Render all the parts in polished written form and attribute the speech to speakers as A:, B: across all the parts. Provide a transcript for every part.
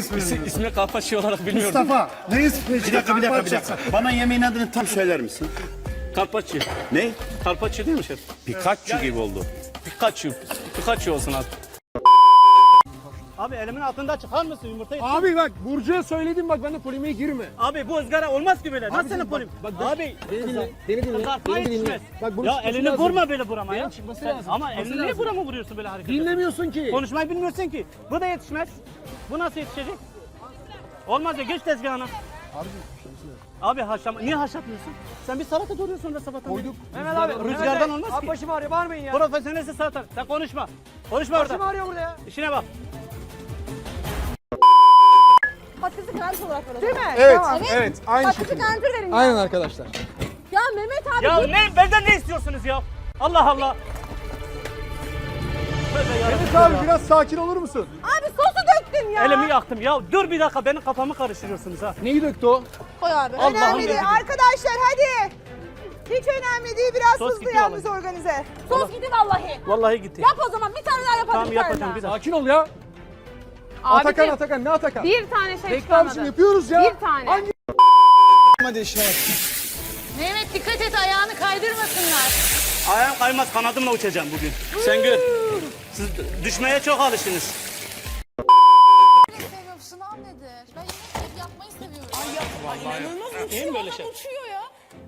A: ismini?
B: İsmi Karpaççı olarak bilmiyorum.
A: Mustafa. Ne ismi?
C: Bir dakika. Bana yemeğin adını tam söyler misin?
B: Karpaççı.
C: Ne?
B: Karpaççı değil mi şef?
C: Pikachu gibi oldu.
B: Pikachu olsun abi. Abi elimin altında çıkar mısın yumurtayı?
D: Abi bak Burcu'ya söyledim bak ben de polemiğe girme.
B: Abi bu ızgara olmaz ki böyle. Nasıl senin polim? Abi
D: Beni dinle. Beni dinle.
B: kızartma
D: Beni dinle.
B: yetişmez.
D: Bak bunun
B: Ya
D: çıkması
B: elini
D: lazım.
B: vurma böyle burama ya.
D: Benim çıkması
B: Sen-
D: lazım.
B: Ama
D: Çıkması
B: elini niye
D: lazım.
B: burama vuruyorsun böyle hareket?
D: Dinlemiyorsun ki.
B: Konuşmayı bilmiyorsun ki. Bu da yetişmez. Bu nasıl yetişecek? Olmaz ya geç tezgahına. Abi haşlama. Niye haşlatmıyorsun? Sen bir salata doğruyorsun da sabahtan.
D: Koyduk.
B: Mehmet abi rüzgardan olmaz ki.
D: Abi başım ağrıyor bağırmayın ya.
B: Profesyonelsin salata. Sen konuşma. Konuşma
D: Başım
B: orada.
D: ağrıyor burada ya.
B: İşine bak.
E: Patatesi garnitür olarak ver o
D: Değil
E: zaman.
D: mi? Evet.
E: Tamam.
D: Evet. Aynı
E: Patatesi
D: şekilde.
E: garnitür verin ya.
D: Aynen arkadaşlar.
E: Ya Mehmet abi
B: Ya
E: dur.
B: ne benden ne istiyorsunuz ya? Allah Allah. Tövbe yarabbim
D: Evet
B: ya.
D: abi biraz sakin olur musun?
E: Abi sosu döktün ya.
B: Elimi yaktım ya. Dur bir dakika benim kafamı karıştırıyorsunuz ha.
D: Neyi döktü o?
E: Koy abi.
B: Allah'ım
F: Önemli değil
B: dedim.
F: arkadaşlar hadi. Hiç önemli değil biraz
B: Sos
F: hızlı
B: gidiyor
F: yalnız organize.
E: Sos gitti vallahi.
B: Vallahi gitti.
E: Yap o zaman bir tane daha yapalım.
B: Tamam
E: bir tane
B: yapacağım
E: daha.
B: bir dakika.
D: Sakin ol ya. Atakan Atakan ne Atakan?
G: Bir tane şey
D: Bekle
G: çıkarmadı.
D: abicim yapıyoruz ya.
G: Bir tane.
D: Hangi? Hadi işe bak.
G: Mehmet dikkat et ayağını kaydırmasınlar.
B: Ayağım kaymaz kanadımla uçacağım bugün. Sen gör. Siz düşmeye çok alıştınız.
H: Seviyorum. Sınav nedir? Ben yemek yapmayı seviyorum.
B: İyi mi böyle şey?
H: Uçuyor ya.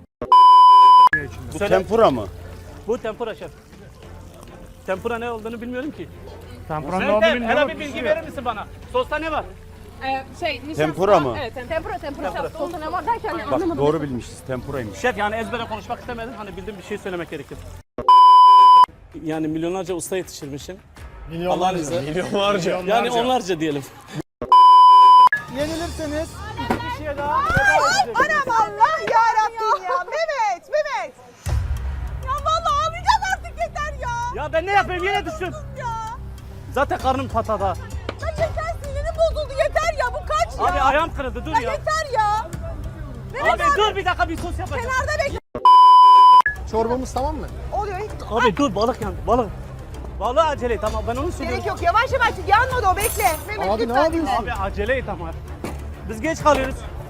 C: Bu
B: Söyle.
C: tempura mı?
B: Bu tempura şef. Tempura ne olduğunu bilmiyorum ki.
D: Tempura
B: Sen de hele bir bilgi verir misin bana? Sosta ne var?
C: Tempura mı?
G: Evet,
E: Tempura. Sosu ne var derken
C: Bak
E: anlamadım.
C: doğru bilmişiz. Tempuraymış.
B: Şef yani ezbere konuşmak istemedim. Hani bildiğim bir şey söylemek gerekir. Yani milyonlarca usta yetiştirmişim. Allah'ın izniyle.
D: Milyonlarca.
B: Yani onlarca diyelim.
D: Yenilirseniz iki kişiye daha
F: Anam Allah yarabbim ya. Mehmet. Ya vallahi ağlayacağım artık yeter ya.
B: Ya ben ne yapayım yine düştüm.
F: Ya.
B: Zaten karnım patada.
F: Ya yeter sinirim bozuldu yeter ya bu kaç ya.
B: Abi ayağım kırıldı dur ya.
F: Yeter ya.
B: Abi dur bir dakika bir sos yapacağım.
F: Kenarda bekle.
D: çorbamız tamam mı?
F: Oluyor hiç
B: Abi dur balık yandı balık. Balığı acele et ama ben onu söylüyorum.
F: gerek yok. Yavaş yanmadı o bekle. Mehmet
D: Abi ne
F: lütfen
D: yapıyorsun?
F: dinle.
B: Abi acele et ama. Biz geç kalıyoruz.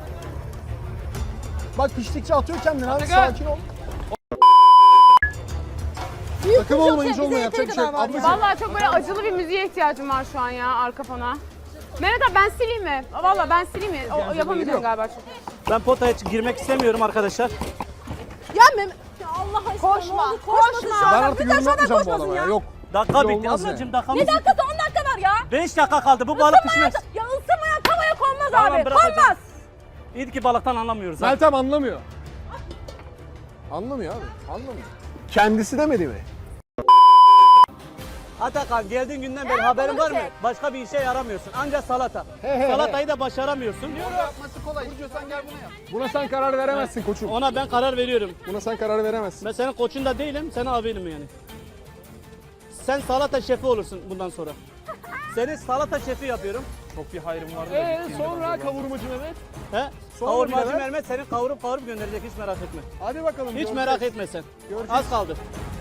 D: Bak piştikçe atıyor kendini abi
B: Atakan.
D: sakin ol. Takım olmayınca olmuyor yapacak bir şey yok. Ablacığım.
G: Vallahi çok böyle acılı bir müziğe ihtiyacım var şu an ya arka fona. Mehmet abi ben sileyim mi? Vallahi ben sileyim mi? O yapamayacağım galiba çünkü.
B: Ben potaya girmek istemiyorum arkadaşlar.
F: Ya Mehmet.
E: Ya Allah aşkına
F: Koşma,
E: ne oldu?
F: koşma.
E: dışarıda.
D: Ben artık
E: Bir de
D: yorum
E: aşağıdan
D: yapmayacağım bu
E: koşmasın
D: adama ya.
E: ya.
D: Yok.
B: Dakika
D: Bir
B: bitti
D: olmaz
B: ablacığım
D: yani.
B: dakikamız
E: Ne dakikası 10 dakika var ya.
B: 5 dakika kaldı bu balık pişmez.
E: Ya ısınmayan tavaya konmaz
B: Tamam,
E: abi.
B: bırakacağım.
E: Konmaz.
B: İyi ki balıktan anlamıyoruz. ha.
D: Meltem anlamıyor. Anlamıyor abi. Anlamıyor. Kendisi demedi mi?
B: Atakan geldiğin günden beri haberin var mı? Başka bir işe yaramıyorsun. Ancak salata.
D: he,
B: Salatayı da başaramıyorsun.
D: Yapması kolay. Burcu sen gel buna yap. Buna sen karar veremezsin koçum.
B: Ona ben karar veriyorum.
D: Buna sen karar veremezsin.
B: Ben senin koçun da değilim, senin abinim yani. Sen salata şefi olursun bundan sonra. Seni salata şefi yapıyorum.
D: Çok bir hayrım vardı. Sonra kavurmacı Mehmet.
B: He?
D: Sonra
B: Kavurmacı
D: birader.
B: Mehmet seni kavurup gönderecek hiç merak etme.
D: Hadi bakalım.
B: Hiç
D: göreceğiz.
B: merak etme sen.
D: Göreceğiz.
B: Az kaldı.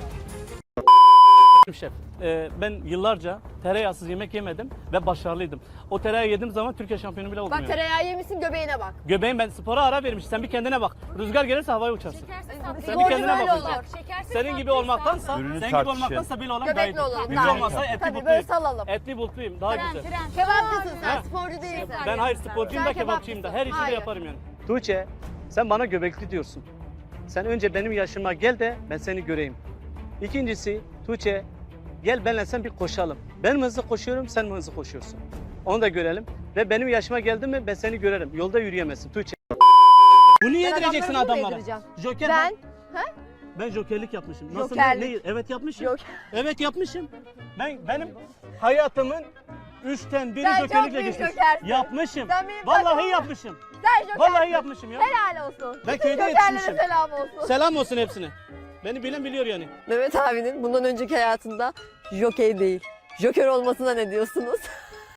B: Şef, ben yıllarca tereyağsız yemek yemedim ve başarılıydım. O tereyağı yediğim zaman Türkiye şampiyonu bile oldum
E: Bak
B: yani.
E: tereyağı yemişsin göbeğine bak.
B: Göbeğim ben spora ara vermişim. Sen bir kendine bak. Rüzgar gelirse havaya uçarsın. Sen bir
E: Sporcu
B: kendine
E: böyle
B: bak.
E: olur.
B: Senin gibi olmaktansa,
C: Ürünü
B: senin gibi
C: tartışın.
B: olmaktansa böyle olan daha iyi.
E: Göbekli olalım.
B: Hiç
E: Daha iyi.
B: olmazsa etli
E: Tabii böyle
B: butluyum.
E: salalım.
B: Etli butluyum daha güzel.
E: Kebapçısın sen
B: Ha.
E: sporcu değilsin.
B: Ben hayır sporcuyum da kebapçıyım da. Her işi de
E: Hayır.
B: yaparım yani. Tuğçe sen bana göbekli diyorsun. Sen önce benim yaşıma gel de ben seni göreyim. İkincisi Tuğçe gel benle sen bir koşalım. Ben mi hızlı koşuyorum sen mi hızlı koşuyorsun? Onu da görelim. Ve benim yaşıma geldin mi ben seni görerim. Yolda yürüyemezsin Tuğçe. Bunu yedireceksin
E: adamları mı
B: adamlara.
E: yedireceğim?
B: Joker
E: Ben
B: Ben jokerlik yapmışım. Nasıl
E: Jokerlik.
B: Evet yapmışım.
E: Yok.
B: Evet yapmışım. Benim hayatımın 3'ten biri
E: Sen çok
B: jokerlikle
E: büyük
B: geçmiş.
E: jokersin.
B: Yapmışım.
E: Sen benim
B: Vallahi
E: takımım.
B: yapmışım.
E: sen jokersin.
B: Vallahi yapmışım ya.
E: Helal olsun.
B: Ben
E: Bütün
B: köyde
E: jokerlere
B: yetişmişim.
E: selam olsun.
B: Selam olsun hepsine. Beni bilen biliyor yani.
I: Mehmet abinin bundan önceki hayatında jokey değil, joker olmasına ne diyorsunuz?